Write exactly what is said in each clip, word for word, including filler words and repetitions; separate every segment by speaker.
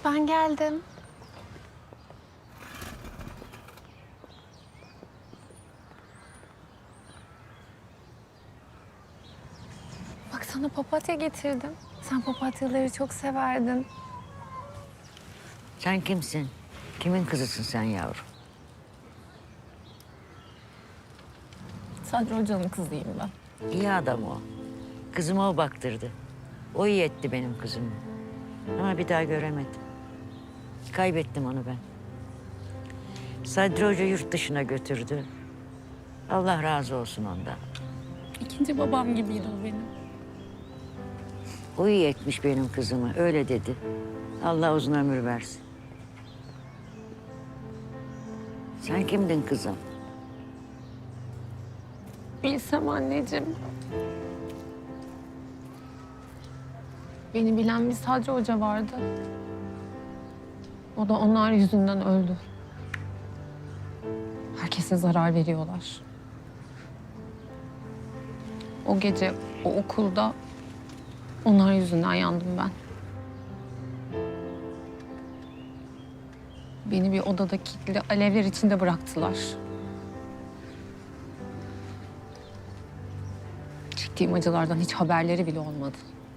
Speaker 1: Ben geldim. Bak sana papatya getirdim. Sen papatyaları çok severdin.
Speaker 2: Sen kimsin? Kimin kızısın sen yavrum?
Speaker 1: Sadri Hoca'nın kızıyım ben.
Speaker 2: İyi adam o. Kızıma o baktırdı. O iyi etti benim kızımı. Ama bir daha göremedim. Kaybettim onu ben. Sadri Hoca yurt dışına götürdü. Allah razı olsun ondan.
Speaker 1: İkinci babam gibiydi o benim.
Speaker 2: O iyi etmiş benim kızımı. Öyle dedi. Allah uzun ömür versin. Sen kimdin kızım?
Speaker 1: Bilsem anneciğim. Beni bilen bir Sadri Hoca vardı. O da onlar yüzünden öldü. Herkese zarar veriyorlar. O gece o okulda onlar yüzünden yandım ben. Beni bir odada kilitli alevler içinde bıraktılar. Çektiğim acılardan hiç haberleri bile olmadı.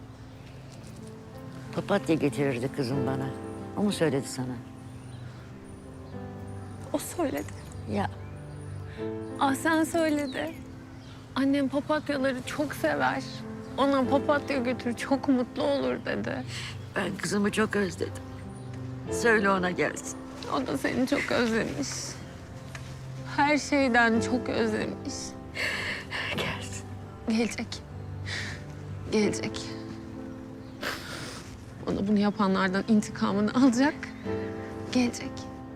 Speaker 2: Papatya getirirdi kızım bana. O mu söyledi sana?
Speaker 1: O söyledi.
Speaker 2: Ya
Speaker 1: Ah sen söyledi. Annem papatyaları çok sever. Ona papatya götür çok mutlu olur dedi.
Speaker 2: ben kızımı çok özledim. Söyle ona gelsin.
Speaker 1: O da seni çok özlemiş. Her şeyden çok özlemiş.
Speaker 2: Gelsin.
Speaker 1: Gelecek. Gelecek. Ona bunu yapanlardan intikamını alacak. Gelecek.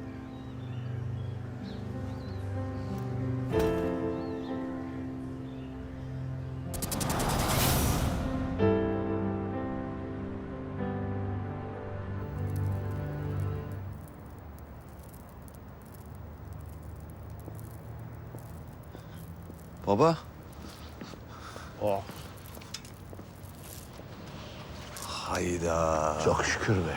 Speaker 3: Baba.
Speaker 4: Oh.
Speaker 3: Hayda.
Speaker 4: Çok şükür be.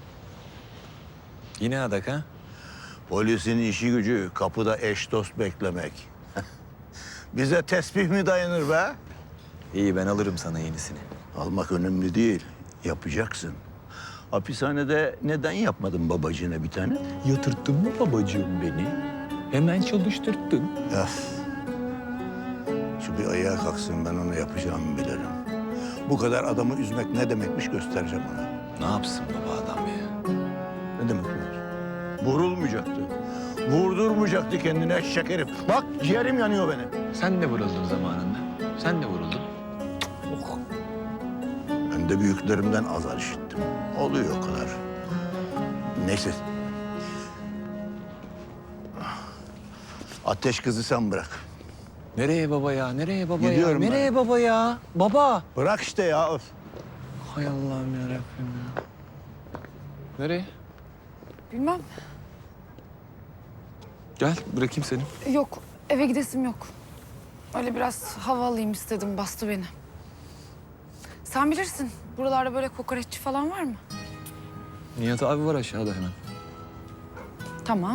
Speaker 3: Yine adak ha?
Speaker 4: Polisin işi gücü kapıda eş dost beklemek. Bize tesbih mi dayanır be?
Speaker 3: İyi ben alırım sana yenisini.
Speaker 4: Almak önemli değil. Yapacaksın. Hapishanede neden yapmadın babacığına bir tane?
Speaker 5: Yatırttın mı babacığım beni? Hemen çalıştırttın.
Speaker 4: Öf. Şu bir ayağa kalksın, ben ona yapacağımı bilirim. Bu kadar adamı üzmek ne demekmiş göstereceğim ona.
Speaker 3: Ne yapsın baba adam ya?
Speaker 4: Ne demek bu? Vurulmayacaktı. Vurdurmayacaktı kendine eşek herif. Bak ciğerim yanıyor benim.
Speaker 3: Sen de vuruldun zamanında. Sen de vuruldun.
Speaker 4: Oh. Ben de büyüklerimden azar işittim. Oluyor o kadar. Neyse. Ateş kızı sen bırak.
Speaker 3: Nereye baba ya? Nereye baba
Speaker 4: Gidiyorum
Speaker 3: ya?
Speaker 4: ben.
Speaker 3: Nereye baba ya? Baba.
Speaker 4: Bırak işte ya. Öf.
Speaker 3: Hay Allah'ım yarabbim ya. Nereye?
Speaker 6: Bilmem.
Speaker 3: Gel bırakayım seni.
Speaker 6: Yok, eve gidesim yok. Öyle biraz hava alayım istedim, bastı beni. Sen bilirsin, buralarda böyle kokoreççi falan var mı?
Speaker 3: Nihat abi var aşağıda hemen.
Speaker 6: Tamam.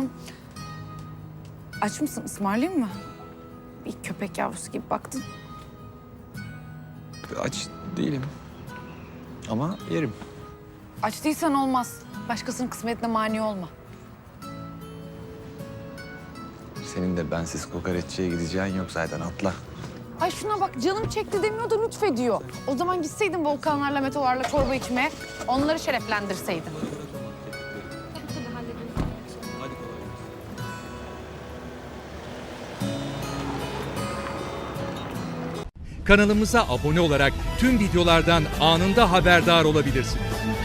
Speaker 6: Aç mısın, ısmarlayayım mı? Bir köpek yavrusu gibi baktın.
Speaker 3: Aç değilim. Ama yerim.
Speaker 6: Aç değilsen olmaz. Başkasının kısmetine mani olma.
Speaker 3: Senin de bensiz kokoreççiye gideceğin yok zaten atla.
Speaker 6: Ay şuna bak, canım çekti demiyor da lütfediyor. O zaman gitseydin volkanlarla, meteorlarla çorba içmeye, onları şereflendirseydin.
Speaker 7: Kanalımıza abone olarak tüm videolardan anında haberdar olabilirsiniz.